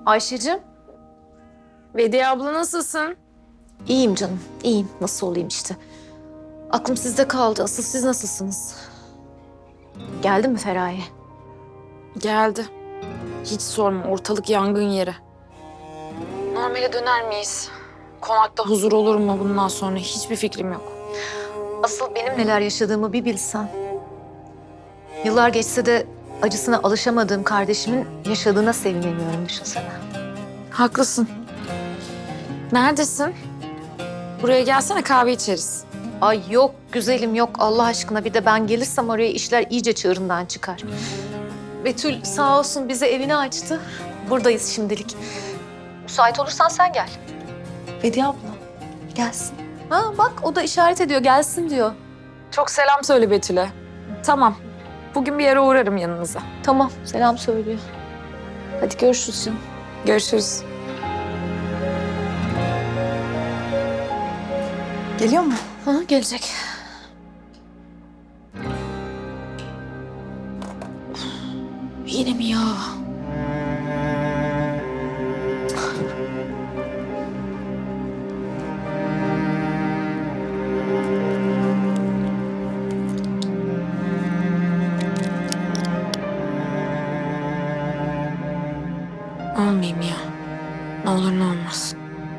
Ayşe'cim. Vediye abla nasılsın? İyiyim canım, iyiyim. Nasıl olayım işte. Aklım sizde kaldı. Asıl siz nasılsınız? Geldi mi Feraye? Geldi. Hiç sorma, ortalık yangın yeri. Normale döner miyiz? Konakta huzur olur mu bundan sonra? Hiçbir fikrim yok. Asıl benim neler yaşadığımı bir bilsen. Yıllar geçse de acısına alışamadığım kardeşimin yaşadığına sevinemiyorum, düşünsene. Haklısın. Neredesin? Buraya gelsene, kahve içeriz. Ay yok güzelim yok Allah aşkına, bir de ben gelirsem oraya işler iyice çığırından çıkar. Betül sağ olsun bize evini açtı. Buradayız şimdilik. Müsait olursan sen gel. Vediye abla gelsin. Ha bak o da işaret ediyor, gelsin diyor. Çok selam söyle Betül'e. Tamam. Bugün bir yere uğrarım yanınıza. Tamam selam söylüyor. Hadi görüşürüz canım. Görüşürüz. Geliyor mu? Ha, gelecek. Yine mi ya? Almayayım ya. Ne olur ne olmaz.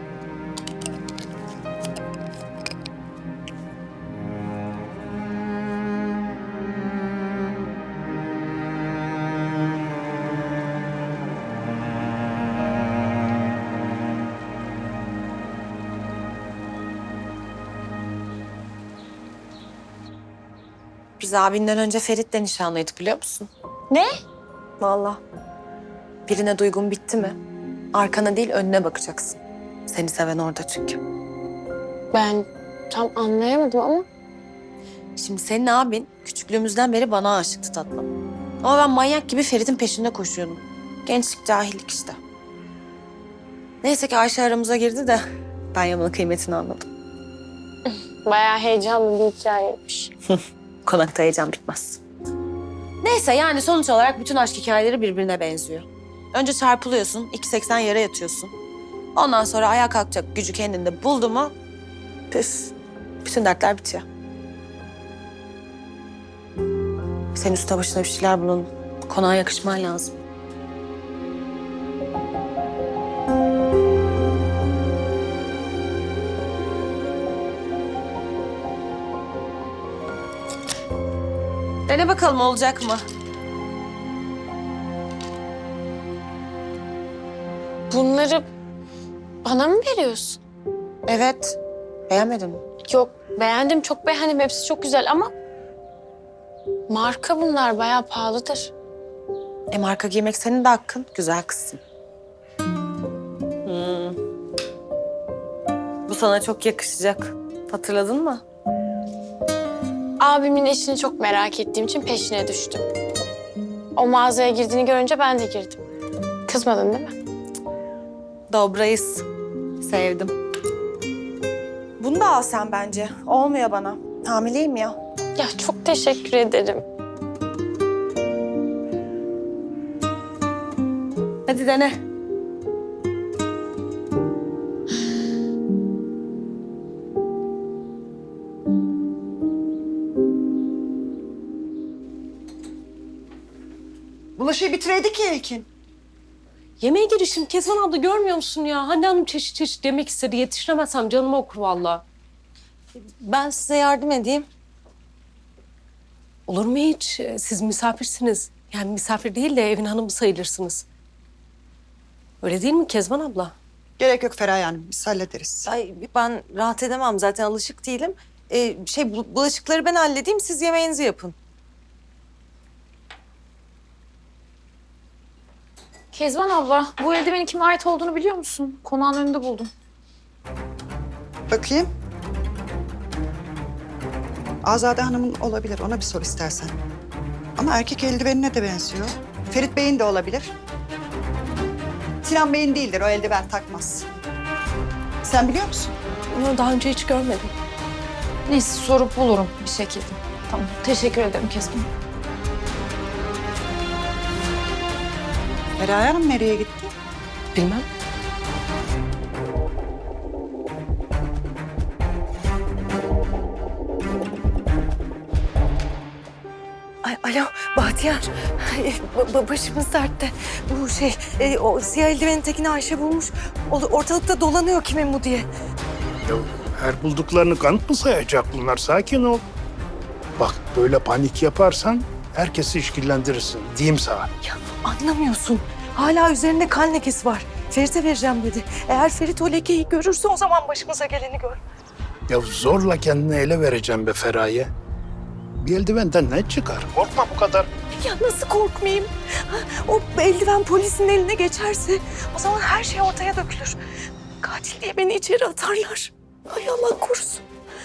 Biz abinden önce Ferit'le nişanlıydık biliyor musun? Ne? Vallahi. Birine duygun bitti mi? Arkana değil önüne bakacaksın. Seni seven orada çünkü. Ben tam anlayamadım ama Şimdi senin abin küçüklüğümüzden beri bana aşıktı tatlım. Ama ben manyak gibi Ferit'in peşinde koşuyordum. Gençlik, cahillik işte. Neyse ki Ayşe aramıza girdi de ben Yaman'ın kıymetini anladım. bayağı heyecanlı bir hikayeymiş. Konakta heyecan bitmez. Neyse yani sonuç olarak bütün aşk hikayeleri birbirine benziyor. Önce çarpılıyorsun, 2,80 yere yatıyorsun. Ondan sonra ayağa kalkacak gücü kendinde buldu mu... ...püf, bütün dertler bitiyor. Senin üstüne başına bir şeyler bulun. Konağa yakışman lazım. Dene bakalım olacak mı? Bunları bana mı veriyorsun? Evet. Beğenmedin mi? Yok, beğendim, çok beğendim. Hepsi çok güzel ama marka bunlar, bayağı pahalıdır. Marka giymek senin de hakkın. Güzel kızsın. Bu sana çok yakışacak. Hatırladın mı? Abimin eşini çok merak ettiğim için peşine düştüm. O mağazaya girdiğini görünce ben de girdim. Kızmadın değil mi? Dobrayız. Sevdim. Bunu da al sen bence. Olmuyor bana. Hamileyim ya. Ya çok teşekkür ederim. Hadi dene. Bulaşığı bitireydi ki Ekin. Yemeğe girişim Kezban abla görmüyor musun ya? Hande Hanım çeşit çeşit yemek istedi. Yetiştiremezsem canıma okur vallahi. Ben size yardım edeyim. Olur mu hiç? Siz misafirsiniz. Yani misafir değil de evin hanımı sayılırsınız. Öyle değil mi Kezban abla? Gerek yok Feraye Hanım, biz hallederiz. Ay ben rahat edemem zaten alışık değilim. Bulaşıkları ben halledeyim siz yemeğinizi yapın. Kezban abla, bu eldivenin kime ait olduğunu biliyor musun? Konağın önünde buldum. Bakayım. Azade Hanım'ın olabilir, ona bir sor istersen. Ama erkek eldivenine de benziyor. Ferit Bey'in de olabilir. Sinan Bey'in değildir, o eldiven takmaz. Sen biliyor musun? Onu daha önce hiç görmedim. Neyse, sorup bulurum bir şekilde. Tamam, teşekkür ederim Kezban. Feraye Hanım nereye gitti? Bilmem. Ay, alo Bahtiyar. Başımız dertte. Bu o siyah eldivenin tekini Ayşe bulmuş. Ortalıkta dolanıyor kimin bu diye. Ya her bulduklarını kanıt mı sayacak bunlar? Sakin ol. Bak böyle panik yaparsan herkesi işkillendirirsin. Diyeyim sana. Anlamıyorsun. Hala üzerinde kan lekesi var. Ferit'e vereceğim dedi. Eğer Ferit o lekeyi görürse o zaman başımıza geleni gör. Ya zorla kendini ele vereceğim be Feraye. Bir eldivenden ne çıkar? Korkma bu kadar. Ya nasıl korkmayayım? O eldiven polisin eline geçerse o zaman her şey ortaya dökülür. Katil diye beni içeri atarlar. Ay Allah korusun.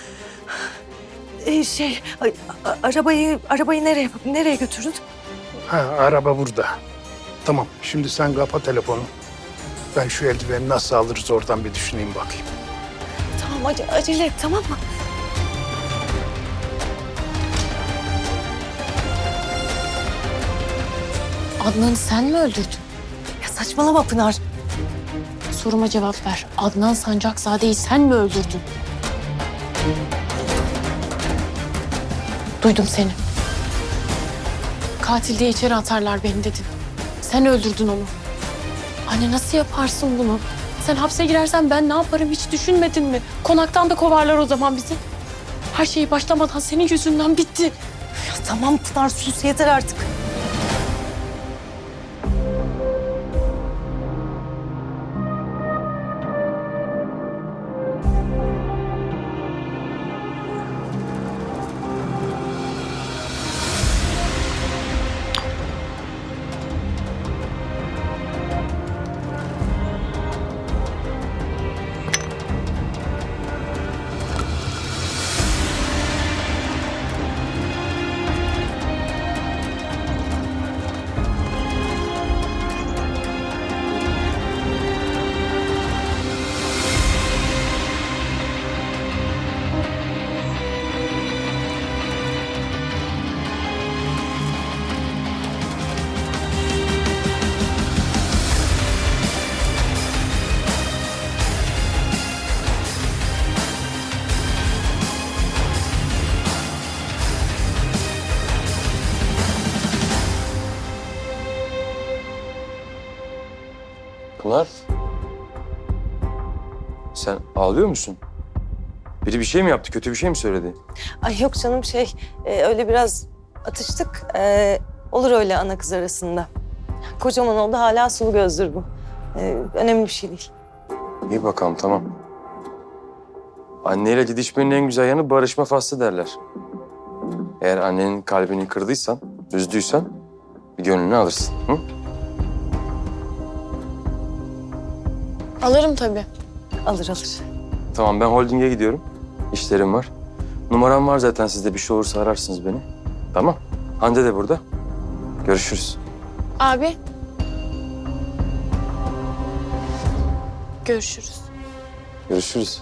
Arabayı nereye götürdün? Ha, araba burada. Tamam, şimdi sen kapa telefonu. Ben şu eldiveni nasıl alırız oradan bir düşüneyim bakayım. Tamam acele et tamam mı? Adnan'ı sen mi öldürdün? Ya saçmalama Pınar. Soruma cevap ver. Adnan Sancakzade'yi sen mi öldürdün? Duydum seni. Katil diye içeri atarlar beni dedin. Sen öldürdün onu. Anne nasıl yaparsın bunu? Sen hapse girersen ben ne yaparım hiç düşünmedin mi? Konaktan da kovarlar o zaman bizi. Her şey başlamadan senin yüzünden bitti. Ya tamam Pınar sus yeter artık. Pınar. Sen ağlıyor musun? Biri bir şey mi yaptı? Kötü bir şey mi söyledi? Ay yok canım öyle biraz atıştık. Olur öyle ana kız arasında. Kocaman oldu hala sulu gözdür bu. Önemli bir şey değil. İyi bakalım tamam. Anneyle didişmenin en güzel yanı barışma faslı derler. Eğer annenin kalbini kırdıysan, üzdüysen bir gönlünü alırsın. Hı? Alırım tabii. Alır. Tamam ben holdinge gidiyorum. İşlerim var. Numaram var zaten sizde bir şey olursa ararsınız beni. Tamam. Hande de burada. Görüşürüz. Abi. Görüşürüz. Görüşürüz.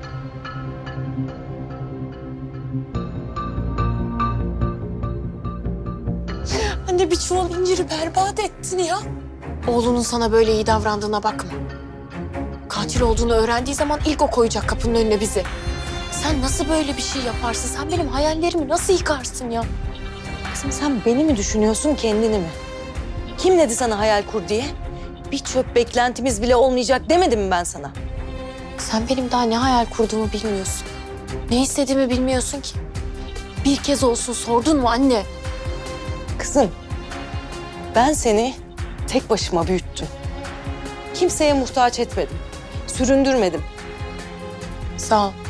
Anne bir çuval inciri berbat ettin ya. Oğlunun sana böyle iyi davrandığına bakma. Katil olduğunu öğrendiği zaman ilk o koyacak kapının önüne bizi. Sen nasıl böyle bir şey yaparsın? Sen benim hayallerimi nasıl yıkarsın ya? Kızım sen beni mi düşünüyorsun kendini mi? Kim dedi sana hayal kur diye? Bir çöp beklentimiz bile olmayacak demedim mi ben sana? Sen benim daha ne hayal kurduğumu bilmiyorsun. Ne istediğimi bilmiyorsun ki. Bir kez olsun sordun mu anne? Kızım ben seni tek başıma büyüttüm. Kimseye muhtaç etmedim. Süründürmedim. Sağ ol.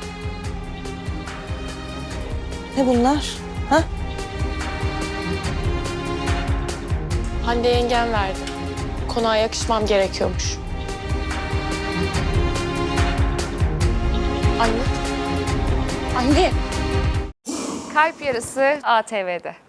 Ne bunlar? Ha? Hande yengem verdi. Konağa yakışmam gerekiyormuş. Anne. Anne. Kalp Yarısı ATV'de.